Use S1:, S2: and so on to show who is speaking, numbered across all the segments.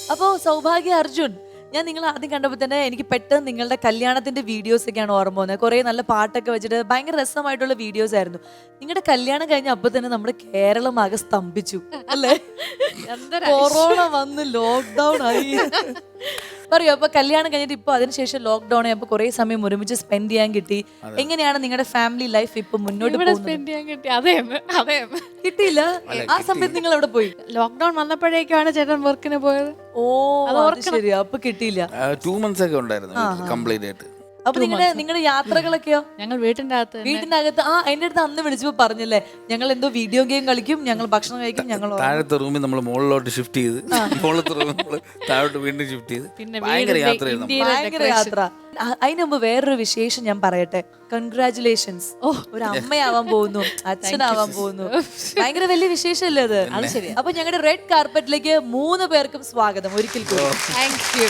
S1: അപ്പോ സൗഭാഗ്യ അർജുൻ, ഞാൻ നിങ്ങളെ ആദ്യം കണ്ടപ്പോൾ തന്നെ എനിക്ക് പെട്ടെന്ന് നിങ്ങളുടെ കല്യാണത്തിന്റെ വീഡിയോസ് ഒക്കെയാണ് ഓർമ്മ വന്നത്. കുറെ നല്ല പാട്ടൊക്കെ വെച്ചിട്ട് ഭയങ്കര രസമായിട്ടുള്ള വീഡിയോസ് ആയിരുന്നു. നിങ്ങളുടെ കല്യാണം കഴിഞ്ഞ അപ്പൊ തന്നെ നമ്മുടെ കേരളം ആകെ സ്തംഭിച്ചു അല്ലേ? കൊറോണ വന്ന് ലോക്ക്ഡൌൺ ആയി. പറയൂ, അപ്പൊ കല്യാണം കഴിഞ്ഞിട്ട് ഇപ്പൊ അതിനുശേഷം ലോക്ക്ഡൌൺ ആയപ്പോ കുറെ സമയം ഒരുമിച്ച് സ്പെൻഡ് ചെയ്യാൻ കിട്ടി. എങ്ങനെയാണ് നിങ്ങളുടെ ഫാമിലി ലൈഫ് ഇപ്പൊ മുന്നോട്ട് കിട്ടിയില്ല? ആ സമയത്ത് നിങ്ങൾ എവിടെ പോയി?
S2: ലോക്ക്ഡൌൺ വന്നപ്പോഴേക്കാണ് ചേട്ടൻ വർക്കിന് പോയത്.
S1: ഓ, അത് ശരി. അപ്പൊ കിട്ടിയില്ല.
S3: 2 months ഒക്കെ ഉണ്ടായിരുന്നു കംപ്ലീറ്റ് ആയിട്ട്.
S1: അപ്പൊ നിങ്ങളുടെ യാത്രകളൊക്കെയോ?
S2: ഞങ്ങൾ വീട്ടിന്റെ അകത്ത്
S1: വീട്ടിനകത്ത്. എന്റെ അടുത്ത് അന്ന് വിളിച്ചപ്പോ പറഞ്ഞല്ലേ, ഞങ്ങൾ എന്തോ വീഡിയോ ഗെയിം കളിക്കും, ഞങ്ങൾ ഭക്ഷണം കഴിക്കും, ഞങ്ങൾ
S3: താഴത്തെ റൂമിൽ നമ്മൾ മുകളിലോട്ട് ഷിഫ്റ്റ് ചെയ്ത്, മുകളിലത്തെ റൂമിൽ നമ്മൾ താഴോട്ട് വീണ്ടും ഷിഫ്റ്റ് ചെയ്ത് ഭയങ്കര യാത്രയായിരുന്നു.
S1: ഭയങ്കര യാത്ര. അതിന് മുമ്പ് വേറൊരു വിശേഷം ഞാൻ പറയട്ടെ. കൺഗ്രാറ്റുലേഷൻസ്. ഒരു അമ്മയാവാൻ പോകുന്നു, അച്ഛനാവാൻ പോകുന്നു. ഭയങ്കര വലിയ വിശേഷമല്ലേ അത്? അത് ശരി. അപ്പൊ ഞങ്ങളുടെ റെഡ് കാർപ്പറ്റിലേക്ക് 3 പേർക്കും സ്വാഗതം ഒരിക്കൽ കൂടി.
S2: Thank you.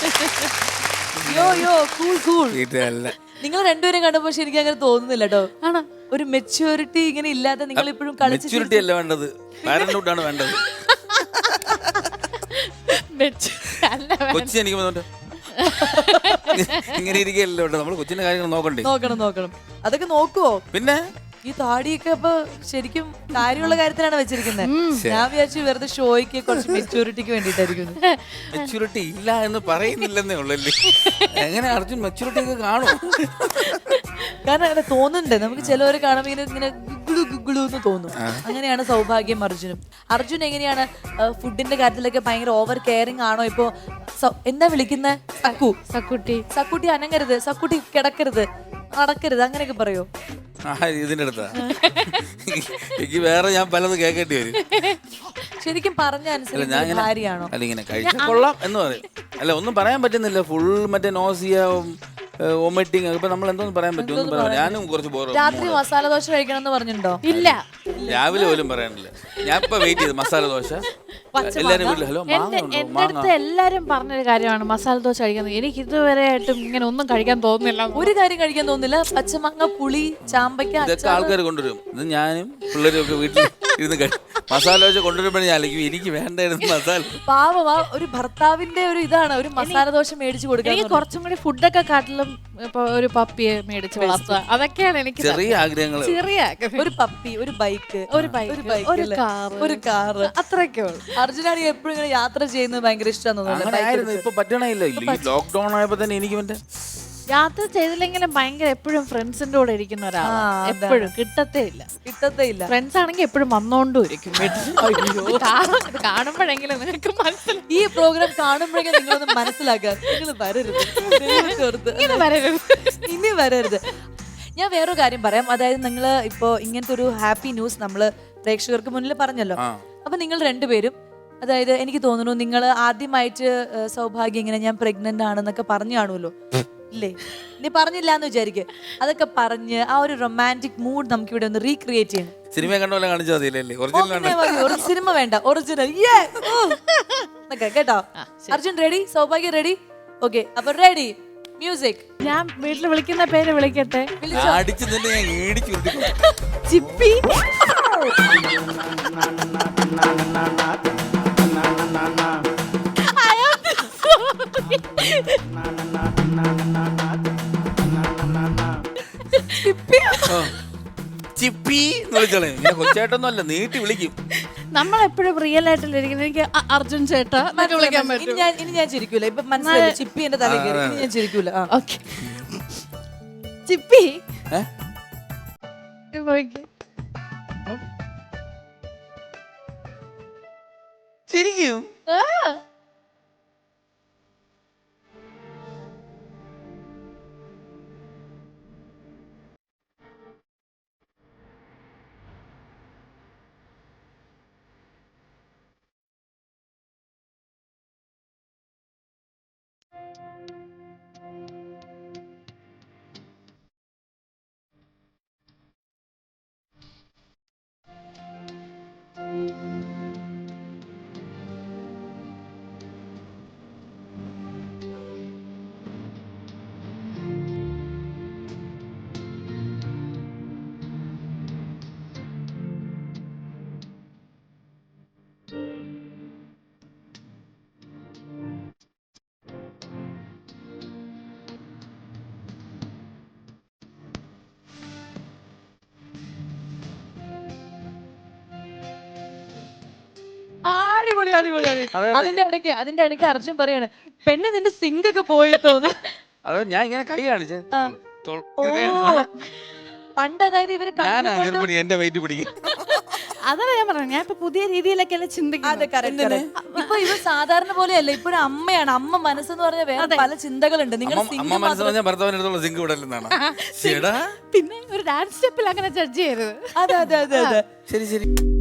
S1: നിങ്ങൾ രണ്ടുപേരും കണ്ടപ്പോ ശരിക്കും അങ്ങനെ തോന്നുന്നില്ല കേട്ടോ. ആണോ? ഒരു മെച്യൂരിറ്റി ഇങ്ങനെ ഇല്ലാതെ നിങ്ങൾ ഇപ്പോഴും
S3: മെച്യൂരിറ്റി അല്ല വേണ്ടത്, പാരന്റ്ഹുഡ് ആണ് വേണ്ടത്. കൊച്ചി എനിക്ക് ഇങ്ങനെ ഇരിക്കല്ലോ, നമ്മൾ കൊച്ചിന്റെ കാര്യങ്ങൾ
S1: നോക്കണം. അതൊക്കെ നോക്കുവോ?
S3: പിന്നെ
S1: ഈ താടിയൊക്കെ അപ്പൊ ശരിക്കും കാര്യമുള്ള കാര്യത്തിലാണ് വെച്ചിരിക്കുന്നത്. ഞാൻ വിചാരിച്ചു വെറുതെ ഷോയ്ക്ക് കുറച്ച് മെച്യൂരിറ്റിക്ക് വേണ്ടിട്ടായിരിക്കും.
S3: മെച്യൂരിറ്റി ഇല്ല എന്ന് പറയുന്നില്ലെന്നേ ഉള്ളല്ലേ. എങ്ങനെ അർജുൻ മെച്യൂരിറ്റി ഒക്കെ കാണും?
S1: കാരണം അങ്ങനെ തോന്നുന്നുണ്ട് നമുക്ക്. ചിലവരെ കാണുമ്പോൾ ഇങ്ങനെ ഗുഗിളു എന്ന് തോന്നും. അങ്ങനെയാണ് സൗഭാഗ്യം അർജുനും. അർജുൻ എങ്ങനെയാണ് ഫുഡിന്റെ കാര്യത്തിലൊക്കെ ഭയങ്കര ഓവർ കെയറിങ് ആണോ? ഇപ്പൊ എന്താ വിളിക്കുന്നത്? സക്കുട്ടി അനങ്ങരുത്, സക്കുട്ടി കിടക്കരുത്, നടക്കരുത്, അങ്ങനെയൊക്കെ പറയോ?
S3: ഇതിന്റെ അടുത്താ എനിക്ക് വേറെ ഞാൻ പലത് കേൾക്കേണ്ടി വരും.
S1: ശരിക്കും പറഞ്ഞ അനുസരിച്ച് ഭാര്യയാണോ?
S3: അല്ല, ഇങ്ങനെ കഴിച്ചാൽ കൊള്ളാം എന്ന് പറയും. അല്ല, ഒന്നും പറയാൻ പറ്റുന്നില്ല. ഫുൾ മറ്റേ നോസിയ, വോമിറ്റിംഗ്. ഇപ്പൊ നമ്മൾ എന്തോന്ന് പറയാൻ പറ്റും? ഞാനും കുറച്ച്
S1: രാത്രി മസാല ദോശ കഴിക്കണം എന്ന് പറഞ്ഞിട്ടുണ്ടോ?
S2: ഇല്ല,
S3: രാവിലെ പോലും പറയാനില്ല. ഞാൻ ഇപ്പൊ വെയിറ്റ് ചെയ്ത് മസാല ദോശ. എല്ലാരും വീട്ടിൽ ഹലോ
S2: എന്റെ അടുത്ത് എല്ലാരും പറഞ്ഞൊരു കാര്യമാണ് മസാല ദോശ കഴിക്കുന്നത്. എനിക്ക് ഇതുവരെ ആയിട്ടും ഇങ്ങനെ ഒന്നും കഴിക്കാൻ തോന്നുന്നില്ല.
S1: ഒരു കാര്യം കഴിക്കാൻ തോന്നുന്നില്ല. പച്ചമാങ്ങ, പുളി, ചാമ്പയ്ക്ക,
S3: ഇതൊക്കെ ആൾക്കാർ കൊണ്ടുവരും. ഇത് ഞാനും പിള്ളേരും ഒക്കെ വീട്ടിൽ ഇരുന്ന് മസാല ദോശ കൊണ്ടുവരുമ്പോഴേ ഞാൻ എനിക്ക് വേണ്ടായിരുന്നു മസാല.
S1: പാവമാ, ഒരു ഭർത്താവിന്റെ ഒരു ഇതാണ് ഒരു മസാല ദോശ മേടിച്ചു കൊടുക്കുക.
S2: എനിക്ക് കുറച്ചും കൂടി ഫുഡൊക്കെ കാട്ടിലും ഇപ്പൊ ഒരു പപ്പിയെ മേടിച്ച് വളർത്തുക, അതൊക്കെയാണ് എനിക്ക്
S3: ചെറിയ ആഗ്രഹങ്ങൾ.
S1: ഒരു പപ്പി, ഒരു ബൈക്ക്, ഒരു കാറ്,
S2: അത്രയൊക്കെ ഉള്ളു.
S1: അർജുനാണെങ്കിൽ എപ്പോഴും ഇങ്ങനെ യാത്ര ചെയ്യുന്നത് ഭയങ്കര ഇഷ്ടമായിരുന്നു.
S3: ഇപ്പൊ പറ്റണയില്ല. ലോക്ക്ഡൌൺ ആയപ്പോ തന്നെ എനിക്ക്
S2: യാത്ര ചെയ്തില്ലെങ്കിലും ഭയങ്കര എപ്പോഴും ഫ്രണ്ട്സിന്റെ കൂടെ ഇരിക്കുന്ന ഒരാളാണ്. എപ്പോഴും കിട്ടത്തേ ഇല്ല. ഫ്രണ്ട്സ് ആണെങ്കിൽ എപ്പോഴും വന്നോണ്ടും ഇരിക്കും. കാണുമ്പോഴെങ്കിലും നിങ്ങൾക്ക് മനസ്സിലാവും.
S1: ഈ പ്രോഗ്രാം കാണുമ്പോഴെങ്കിലും നിങ്ങളൊന്ന് മനസ്സിലാക്കുക, നിങ്ങൾ ഇനി വരരുത്. ഞാൻ വേറൊരു കാര്യം പറയാം. അതായത് നിങ്ങൾ ഇപ്പോ ഇങ്ങനത്തെ ഒരു ഹാപ്പി ന്യൂസ് നമ്മള് പ്രേക്ഷകർക്ക് മുന്നിൽ പറഞ്ഞല്ലോ. അപ്പൊ നിങ്ങൾ രണ്ടുപേരും, അതായത് എനിക്ക് തോന്നുന്നു നിങ്ങൾ ആദ്യമായിട്ട് സൗഭാഗ്യം ഇങ്ങനെ ഞാൻ പ്രഗ്നന്റ് ആണെന്നൊക്കെ പറഞ്ഞു കാണുമല്ലോ, ഇല്ലേ? നീ പറഞ്ഞില്ല എന്ന് വിചാരിക്കും. അതൊക്കെ പറഞ്ഞ് ആ ഒരു റൊമാൻറ്റിക് മൂഡ് നമുക്ക് ഇവിടെ ഒന്ന് റീക്രിയേറ്റ് ചെയ്യണം.
S3: സിനിമ കണ്ട പോലെ കാണിച്ചാൽ
S1: സിനിമ വേണ്ട, ഒറിജിനൽ കേട്ടോ. Arjun ready? Saubhagya ready? Okay, അപ്പൊ റെഡി, മ്യൂസിക്.
S2: ഞാൻ വീട്ടിൽ വിളിക്കുന്ന പേര് വിളിക്കട്ടെ?
S1: ചിപ്പി.
S3: ചിപ്പി എന്ന് വിളിച്ചോളെ. കൊച്ചേട്ടൊന്നും അല്ല, നീട്ടി വിളിക്കും.
S2: നമ്മളെപ്പോഴും റിയൽ ആയിട്ടല്ലേ ഇരിക്കുന്നത്. എനിക്ക് അർജുൻ ചേട്ടാ വിളിക്കാൻ പറ്റും.
S1: ഇനി ഞാൻ ചിരിക്കൂല. ഇപ്പൊ മനസ്സിലായി, ചിപ്പി എന്റെ തല കയറി. ഇനി ഞാൻ ചിരിക്കൂല.
S2: ഓക്കെ, ചിപ്പി
S3: ശരിക്കും
S1: അടിപൊളി അടിപൊളി അതിന്റെ ഇടയ്ക്ക് അർജുൻ പറയാണ് പെണ്ണ് നിന്റെ സിങ്ക് ഒക്കെ പോയി തോന്നുന്നു.
S3: അത് ഞാൻ ഇങ്ങനെ കൈ കാണിച്ചേ
S1: പണ്ട് അതായത് ഇവര്
S3: എന്റെ വെയിറ്റ് പിടിക്കും.
S2: അതാണ് ഞാൻ പറഞ്ഞത്, ഞാൻ ഇപ്പൊ പുതിയ രീതിയിലൊക്കെയല്ലേ ചിന്തിക്കുന്നത്.
S1: ഇപ്പൊ ഇവ സാധാരണ പോലെയല്ല, ഇപ്പൊ ഒരു അമ്മയാണ്. അമ്മ മനസ്സെന്ന് പറഞ്ഞാൽ വേറെ പല ചിന്തകളുണ്ട്. നിങ്ങൾ
S3: അമ്മ മനസ്സ് പറഞ്ഞാൽ ഭർത്താവിനടുത്തുള്ള സിങ്ക് വിടലെന്നാണ്.
S2: പിന്നെ ഒരു ഡാൻസ് സ്റ്റെപ്പിൽ അങ്ങനെ ജഡ്ജ് ചെയ്തത്.
S1: അതെ അതെ അതെ അതെ.
S3: ശരി ശരി.